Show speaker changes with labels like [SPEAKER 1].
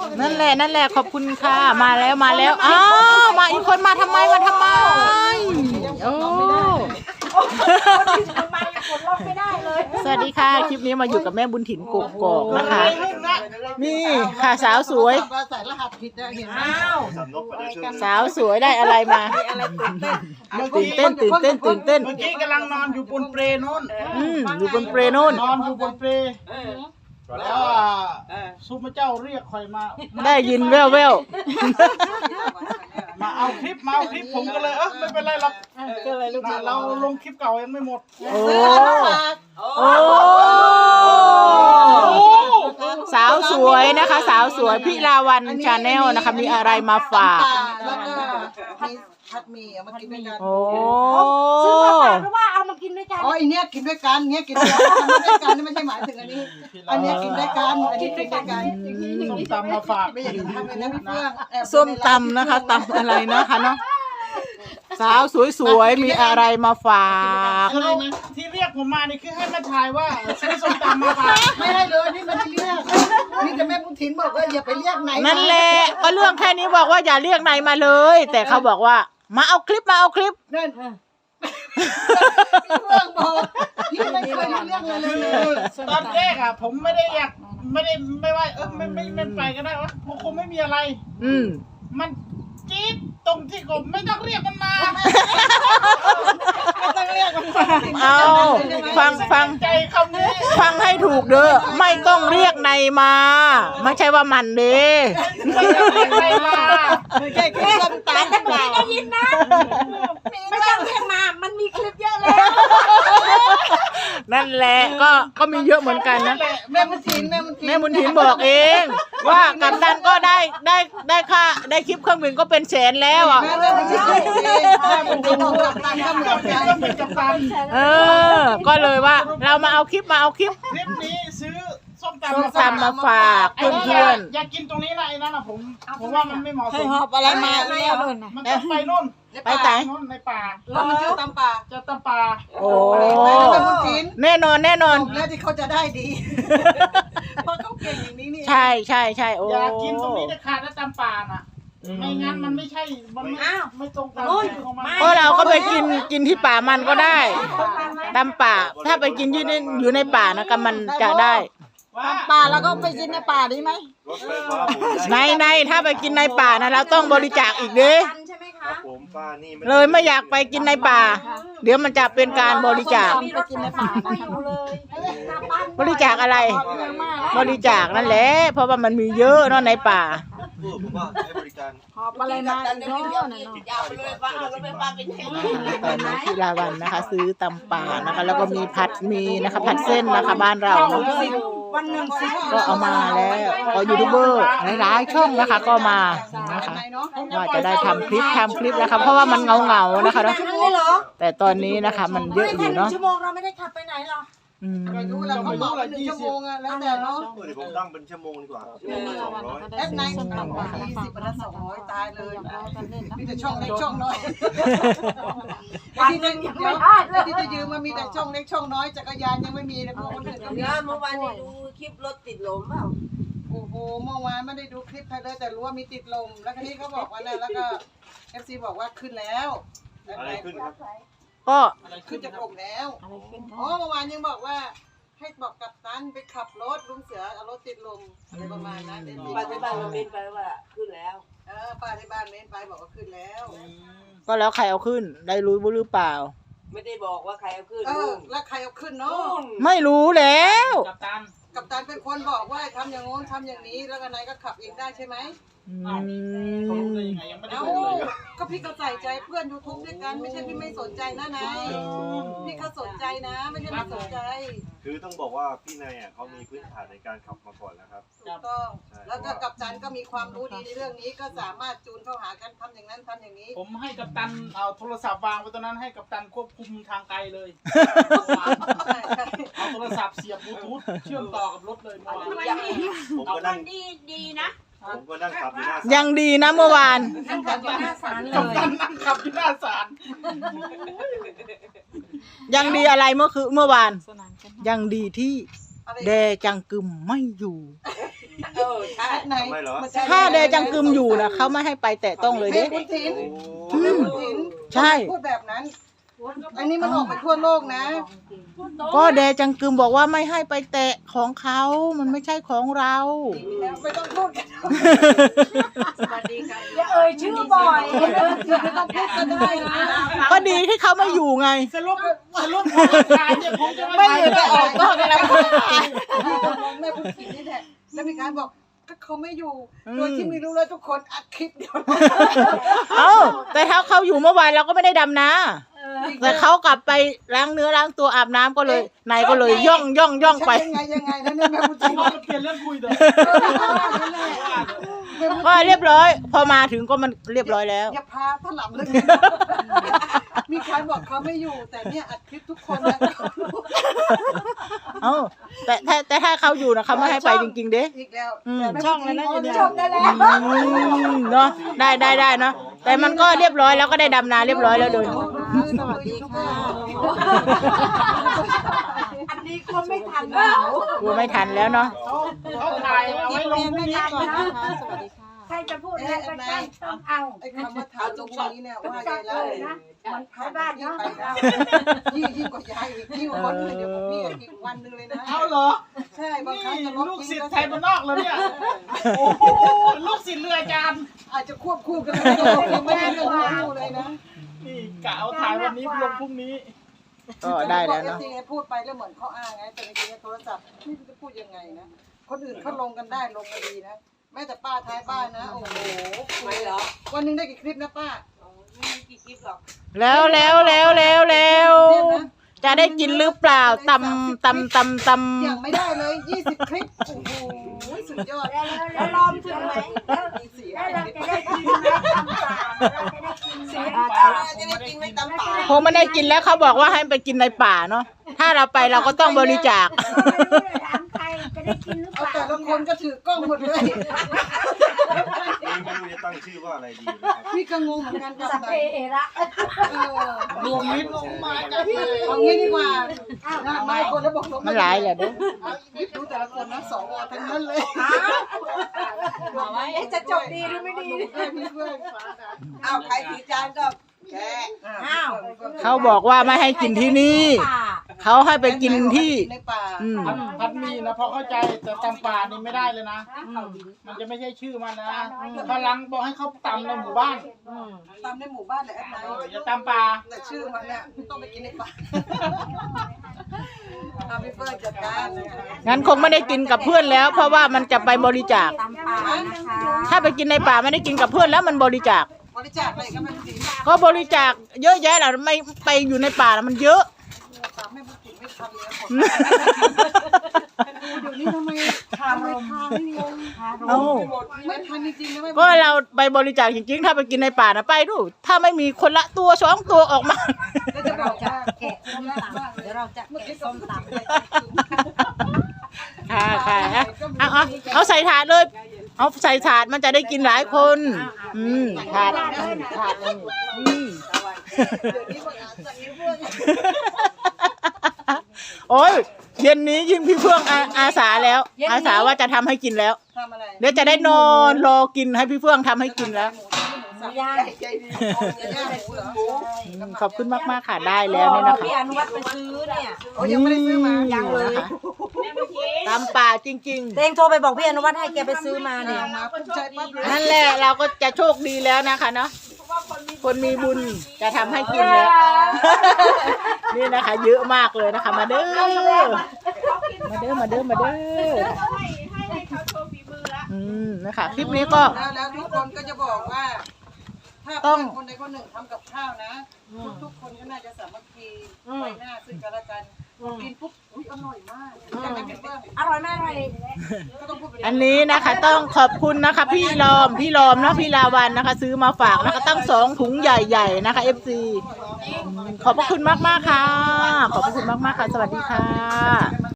[SPEAKER 1] นั่นแหละขอบคุณค่ะมาแล้วอ้าวมาอีกคนมาทำไมโอ้สวัสดีค่ะคลิปนี้มาอยู่กับแม่บุญถิ่นกกอกนะคะนี่ค่ะสาวสวย
[SPEAKER 2] ใส่รหัสผิดนะเห็นไหม
[SPEAKER 1] สาวสวยได้อะไรมาตื่นเต้นเ
[SPEAKER 3] มื่อกี้กำลังนอนอยู่บนเปรนู่น
[SPEAKER 1] อยู่บนเปรนู่น
[SPEAKER 3] นอนอยู่บนเปรแล้วซุปเจ้าเรียกคอยมา
[SPEAKER 1] ได้ยินแว่ว
[SPEAKER 3] มาเอาคลิปผมก็เลยไม่เป็นไรหรอกเราลงคลิปเก่ายังไม่หมด
[SPEAKER 1] โอ้สาวสวยนะคะสาวสวยพี่ลาวันชาแนลนะคะมีอะไรมาฝาก
[SPEAKER 2] แล้วก็มีผัดหมี่เอามากินด้วยกัน
[SPEAKER 4] ซื้อมาฝากหรือว่าเอามากินด้วยกัน
[SPEAKER 2] อ๋ออันเนี้ยกินด้วยกันเนี้ยกินด้วยกันไม่ใช่หมายถึงอันนี้อันเนี้ยกินด้วยกันอันนี้กินด้วยกัน
[SPEAKER 3] ส้มตำมาฝาก
[SPEAKER 2] ไม่อยากจะทำเลยนะพี่เฟื่อง
[SPEAKER 1] ส้มตำนะคะตำอะไรนะคะเนาะสาวสวยๆมีอะไรมาฝาก
[SPEAKER 3] ที่เรียกผมมานี่คือให้มาถ่ายว่าซื้อส้มตำมาฝาก
[SPEAKER 2] ไม่ได้เลยนี่ไม่ได้เรียกนี่แต่แม่บุญถิ่นบอกว่าอย่าไปเรียกไหน
[SPEAKER 1] นั่นแหละก็เรื่องแค่นี้บอกว่าอย่าเรียกไหนมาเลยแต่เขาบอกว่ามาเอาคลิปนั่น
[SPEAKER 2] พี่เฟื่องบอกพี่ไม่เคยเรียกเลย
[SPEAKER 3] ตอนแรกผมไม่ได้อยากไม่ว่าไม่ไปก็ได้วะคงไม่มีอะไรมันจี๊ดตรงที่ผมไม่ต้องเรียกมันมา
[SPEAKER 2] ไม่ต้องเรียกมันมา
[SPEAKER 1] เอาฟัง
[SPEAKER 3] ใจคำนี้
[SPEAKER 1] ฟังให้ถูกเด้อไม่ต้องเรียกในมาไม่ใช่ว่ามันเด้
[SPEAKER 3] ไม่ต้องเรียกในมา
[SPEAKER 2] ไม่ใช่แค่ส้มตำ
[SPEAKER 4] แต่ได้ยินนะไม่ต้องเรียกมามันมีคลิปเยอะแล้ว
[SPEAKER 1] นั่นแหละก็มีเยอะเหมือนกันนะ
[SPEAKER 2] แม่บุญถิ่น
[SPEAKER 1] บอกเองว่ากัปตันก็ได้ค่าได้คลิปเครื่องบินก็เป็นแสนแล้วอ่ะก็เลยว่าเรามาเอาคลิป
[SPEAKER 3] นี้ซื้อส้ม
[SPEAKER 1] ตำมาฝากเพื่อน
[SPEAKER 3] อยากกินตรงนี้นะไอ้นั่นผมว่ามันไม่เหมาะสม
[SPEAKER 2] หอบอะไรมาแล้ว
[SPEAKER 3] มันจะไปนู่น
[SPEAKER 1] ไปไหน
[SPEAKER 3] ในป่า
[SPEAKER 2] แล้วมันจะตำป่า
[SPEAKER 1] โอ้แน่นอน
[SPEAKER 2] แล้วที่เขาจะได้ดีเพราะเขาเก่งอย่างนี้นี่
[SPEAKER 1] ใช่โอ้
[SPEAKER 3] อยากกินตรงนี้จะขาดแล้วตำป่าน่ะไม่งั้นมันไม่ใช่มันไม่ตรงกัน
[SPEAKER 1] ก็เราก็ไปกินที่ป่ามันก็ได้ตำป่าถ้าไปกินอยู่ในป่านะกันมันจะได้
[SPEAKER 2] ป่าแล้วก็ไปกินในป่าดีไหม
[SPEAKER 1] ในถ้าไปกินในป่านะเราต้องบริจาคอีกเด้เลยไม่อยากไปกินในป่าเดี๋ยวมันจะเป็นการบริจาคบริจาคอะไรบริจาคนั่นแหละเพราะว่ามันมีเยอะเนาะในป่า
[SPEAKER 2] หอบอะไรมา
[SPEAKER 1] ที่ลาวันนะคะซื้อตำป่านะคะแล้วก็มีมีนะคะผัดเส้นนะคะบ้านเราก็เอามาแล้วก็ยูทูบเบอร์หลายๆช่องนะคะก็มานะคะว่าจะได้ทำคลิปนะคะเพราะว่ามันเงานะคะเนาะแต่ตอนนี้นะคะมันเยอะอยู่เนาะ
[SPEAKER 4] ชั่วโมงเราไม่ได้ขับไปไหนหรอ
[SPEAKER 2] ไม่รู้แล้วเขาบอก1 ชั่วโมงแล้วแต่เนาะ
[SPEAKER 5] เดี๋ยวผมตั้งเป็นชั่วโมงดีกว่า200
[SPEAKER 2] แอปไหน20 บาท200ตายเลยมีแต่ช่องเล็กช่องน้อย
[SPEAKER 4] วันนึงยังไม่ได้
[SPEAKER 2] ที่จะยืมมันมีแต่ช่องเล็กช่องน้อยจักรยานยังไม่มีเลยพวกคนอื่นก็มี
[SPEAKER 4] เมื่อวานดูคลิปรถติดลมเปล่า
[SPEAKER 2] โอ้โหเมื่อวานไม่ได้ดูคลิปใครเลยแต่รู้ว่ามีติดลมแล้วทีนี้เขาบอกว่าแล้วก็ FC บอกว่าขึ้นแล้ว
[SPEAKER 5] อะไรขึ้นครับ
[SPEAKER 1] ก็
[SPEAKER 2] ขึ้นจากลมแล้วอ๋อเมื่อวานยังบอกว่าให้บอกกัปตันไปขับรถลุงเสือเอารถติดลมอะไรประมาณนั้น
[SPEAKER 4] ป้าที่บ้านเม้นไปว่าขึ้นแล้ว
[SPEAKER 2] ป้าที่บ้านเม้นไปบอกว่าขึ้นแล้ว
[SPEAKER 1] ก็แล้วใครเอาขึ้นได้รู้หรือเปล่า
[SPEAKER 4] ไม่ได้บอกว่าใครเอาขึ้น
[SPEAKER 2] แล้วใครเอาขึ้นเนาะ
[SPEAKER 1] ไม่รู้แล้ว
[SPEAKER 2] กัปตันเป็นคนบอกว่าทำอย่างโน้นทำอย่างนี้แล้วกันไหนก็ขับเองได้ใช่ไหมก็พี่ก็ใส่ใจเพื่อนยูทูบด้วยกันไม่ใช่พี่ไม่สนใจนะนายพี่เขาสนใจนะไม่ใช่ไม่สนใจ
[SPEAKER 5] คือต้องบอกว่าพี่นายเขามีพื้นฐานในการขับมาก่อนนะครับ
[SPEAKER 2] ถูกต้องแล้วก็กัปตันก็มีความรู้ดีในเรื่องนี้ก็สามารถจูนเข้าหากันทำอย่างนั้นทำอย่างนี้
[SPEAKER 3] ผมให้กัปตันเอาโทรศัพท์วางไว้ตรงนั้นให้กัปตันควบคุมทางไกลเลยเอาโทรศัพท์เสียบบลูทูธเชื่อมต่อกับรถเลย
[SPEAKER 5] ผมก็นั่ง
[SPEAKER 4] ดีนะ
[SPEAKER 5] ผมก็นั่งขับอยู่หน้า
[SPEAKER 1] ยังดีนะเมื่อวาน
[SPEAKER 4] นั่งขับอยู่หน้าศาลเลย
[SPEAKER 3] นั่งขับอยู่หน้าศาล
[SPEAKER 1] ยังดีอะไรเมื่อวานยังดีที่แดจังกึมไม่อยู่
[SPEAKER 4] ใช่
[SPEAKER 2] ไหน
[SPEAKER 5] ทำไมเหรอ
[SPEAKER 1] ถ้าแดจังกึมอยู่นะเขาไม่ให้ไปแตะต้องเลย
[SPEAKER 2] แม่
[SPEAKER 1] เด้
[SPEAKER 2] คุณถิน
[SPEAKER 5] โอ้
[SPEAKER 2] แม่คุณถิน
[SPEAKER 1] ใช่
[SPEAKER 2] พูดแบบนั้น อันนี้มันออกไปทั่วโลกนะ
[SPEAKER 1] ก็แดจังกึมบอกว่าไม่ให้ไปแตะของเขามันไม่ใช่ของเรา
[SPEAKER 2] ไม่ต้องพูดกัน
[SPEAKER 4] อย่าเอ่ยชื่อบ่อย
[SPEAKER 2] ไม่ต้องพูดก็ได้นะ
[SPEAKER 1] ก็ดีที่เขาไม่อยู่ไง
[SPEAKER 3] สรุปพอขายเนี่ยผมจะ
[SPEAKER 1] ไม่อยู่ก็ออกก็แล้ว
[SPEAKER 2] พี่ก็มองแม่คุณถินนี่แหละแล้วมีการบอกก็เขาไม่อยู่ โดยที่ไม่รู้เลยทุกคนอัดคลิปเดียว
[SPEAKER 1] เอ้าแต่ถ้าเขาอยู่เมื่อวานเราก็ไม่ได้ดำนะแต่เขากลับไปล้างเนื้อล้างตัวอาบน้ำก็เลยนายก็เลยย่องไป
[SPEAKER 2] ยังไงนะเนี่ยแม่คุณถิน
[SPEAKER 3] เราจะเปลี่ยนเรื่องคุยเด้อ
[SPEAKER 1] ก็เรียบร้อย พอมาถึงก็มันเรียบร้อยแล้ว
[SPEAKER 2] อย่าพาถลำเลยมีการบอกเขาไม่อยู่ แต่เนี่ยอัดคลิปทุกคนนะ
[SPEAKER 1] เอ้าแต่ถ้าเขาอยู่นะเขาไม่ให้ไปจริงๆเด้
[SPEAKER 2] อีกแล้ว
[SPEAKER 4] ช่องแล้วนะจบได้แล้ว
[SPEAKER 1] เนาะได้เนาะแต่มันก็เรียบร้อยแล้วก็ได้ดำนาเรียบร้อยแล้วโดย
[SPEAKER 2] สวัสดีค่ะ
[SPEAKER 4] อันนี้ก็ไม่ทันแล้ว
[SPEAKER 1] กลัวไม่ทันแล้วเนาะ
[SPEAKER 3] เขาถ่ายเอาไว้ลงพรุ่งนี้ก่อนนะ
[SPEAKER 4] ใครจะพูดอะไรก็ได้ต้องเอา
[SPEAKER 2] ไอ้คำว่าถามตรงนี้เนี่ยว่ายายเล่ามันผ่านที่ไปแล้วยิ่งกว่ายายอีกยิ่งกว่าคนอื่นเดี๋ยวพี่อีกวันนึงเลยนะ
[SPEAKER 3] เอาเหรอ
[SPEAKER 2] ใช่บางครั้ง
[SPEAKER 3] นี่
[SPEAKER 2] จะลบ
[SPEAKER 3] ลูก
[SPEAKER 2] ทิ้
[SPEAKER 3] ศิ
[SPEAKER 2] ง
[SPEAKER 3] ษ
[SPEAKER 2] ก็
[SPEAKER 3] ย์ไทยบ้านนอกเลยเนี่ยโอ้โหลูกศิษย์เรืออาจารย์
[SPEAKER 2] อาจจะควบคู่กันยังไม่ได้เรื่องคู่เลยนะ
[SPEAKER 3] นี่กะเอาถ่ายวันนี้ลงพรุ่งนี้
[SPEAKER 1] ก็ได้แล้วเนาะ
[SPEAKER 2] จริงๆพูดไปแล้วเหมือนเขาอ้างไงแต่จริงๆโทรศัพท์ไม่รู้จะพูดยังไงนะคนอื่นเขาลงกันได้ลงกันดีนะแม้แต่ป้าท้ายบ้านนะโอ้โหไม่หรอวันนึงได้กี่คลิปนะป้าไม่มีกี่คลิปหรอก
[SPEAKER 1] แล้วจะได้กินหรือเปล่าตำ
[SPEAKER 2] ยังไม่ได้เลย20คลิปโอ้โหสุดยอด
[SPEAKER 4] แล้วรอมถึงไหมแล้วเราจะได้กินไหมตำป่าเราจะได้กินไหม
[SPEAKER 2] จะได้กินไหมตำป่า
[SPEAKER 1] คงไม่ได้กินแล้วเขาบอกว่าให้ไปกินในป่าเนาะถ้าเราไปเราก็ต้องบริจาค
[SPEAKER 4] ไม่รู้จะถามใครจะได้กินหรือเป
[SPEAKER 2] เอา
[SPEAKER 4] ล่า
[SPEAKER 2] แต่ละคนก็ถือกล้องหมดเลย
[SPEAKER 5] ไม่รู้จะตั้งชื่อว่าอะไรดีนะครับ
[SPEAKER 2] พี่ก็งงเหมือนกันกับ
[SPEAKER 4] สัพเพเอระ
[SPEAKER 3] รวมมิตรลงมากัน
[SPEAKER 2] เอางี้ดีกว่ามาคนแล้วบอกลง
[SPEAKER 1] มันหลายแหละเด้อ
[SPEAKER 2] ดูแต่ละคนนะสวทั้งนั้นเลย
[SPEAKER 4] จะจบดีหรือไม่ดี
[SPEAKER 2] เอาใครถือจานก็แก
[SPEAKER 4] อ้าว
[SPEAKER 1] เขาบอกว่าไม่ให้กินที่นี่ เขาให้ไปกินที่
[SPEAKER 2] ในป่า
[SPEAKER 3] พัดมีนะพอเข้าใจแต่ตำป่านี่ไม่ได้เลยนะมันจะไม่ใช่ชื่อมันนะพลังบอกให้เขาตำในหมู่บ้าน
[SPEAKER 2] ตามในหมู่บ้านเลยแอดไน
[SPEAKER 3] อย่าตำป่า
[SPEAKER 2] แต่ชื่อมันเนี่ยต้องไปกินในป่าทำให้เฟิร์จัดการ
[SPEAKER 1] งั้นคงไม่ได้กินกับเพื่อนแล้ว เพราะว่ามันจะไปบริจาค
[SPEAKER 4] ตำป่านะคะ
[SPEAKER 1] ถ้าไปกินในป่าไม่ได้กินกับเพื่อนแล้วมันบริจาค
[SPEAKER 2] บริจาคอะไรก็ไม่ดี
[SPEAKER 1] ก็บริจาคเยอะแยะแหละไม่ไปอยู่ในป่าแล้วมันเยอะ
[SPEAKER 2] ตามไม่พูดถึงไม่ทันเลยเดี๋ยวนี้ทำไมทำไม่ทันงง
[SPEAKER 1] เอ้า
[SPEAKER 2] ไม่ทันจริงๆนะไม่
[SPEAKER 1] ก็เราไปบริจาคจริงๆ ถ้าไปกินในป่านะไปดู ถ้าไม่มีคนละตัวสองตัวออกมา
[SPEAKER 2] แล้วจะบอกว่า
[SPEAKER 4] แกะส้มตำเดี๋ยวเราจะแกะส้มตำ
[SPEAKER 1] ค่ะเอาใส่ถาดเลย เอาใส่ถาดมันจะได้กินหลายคน ถาดเลยโอ้ยเย็นนี้ยิ่งพี่เพื่องอาสาแล้ว อาสาว่าจะทำให้กินแล้ว
[SPEAKER 2] ทำอะไร
[SPEAKER 1] เดี๋ยวจะได้นอนรอกินให้พี่เฟื่องทำให้กินแล้ว
[SPEAKER 4] ย่าง
[SPEAKER 2] ใจดีย่างหมูเหรอ
[SPEAKER 1] ขอบคุณมากๆค่ะได้แล้วนี่นะคะ
[SPEAKER 4] พี่อนุวัฒน์ไปซื้อเนี่ย
[SPEAKER 2] โอ้ยังไม่ได้ซื้อมา
[SPEAKER 4] ยังเลย
[SPEAKER 1] ตามป่าจริง
[SPEAKER 4] เตงโทรไปบอกพี่อนุวัฒน์ให้แกไปซื้อมาเนี่ย
[SPEAKER 2] มาปุ๊บใจปั๊บเลย
[SPEAKER 1] ๆ นั่นแหละเราก็จะโชคดีแล้วนะคะเนาะคนมีบุญจะทำให้กินแล้ว นี่นะคะ เยอะมากเลยนะคะ มาเด้อนะคะคลิปนี้ก็
[SPEAKER 2] แล้วทุกคนก็จะบอกว่า ถ้า
[SPEAKER 1] ต้
[SPEAKER 2] เพื่
[SPEAKER 1] อง
[SPEAKER 2] อนคนใดคนหนึ่งทำกับข้าวนะทุกคนก็น่าจะสามัคคีไว้หน้าซึ่งกันและกันกินปุ๊บอุ้ยอร่อยมากจากนั้นเพื่อน
[SPEAKER 4] อร่อยมากเลย
[SPEAKER 2] ก็ต้องพูดไป
[SPEAKER 1] อันนี้นะคะต้องขอบคุณนะคะ พี่ลอมเนาะพี่ลาวันนะคะ ซื้อมาฝากนะคะตั้ง2 ถุงใหญ่ๆนะคะ FC ขอบพระคุณมากๆค่ะ ขอบพระคุณมากๆค่ะ สวัสดีค่ะ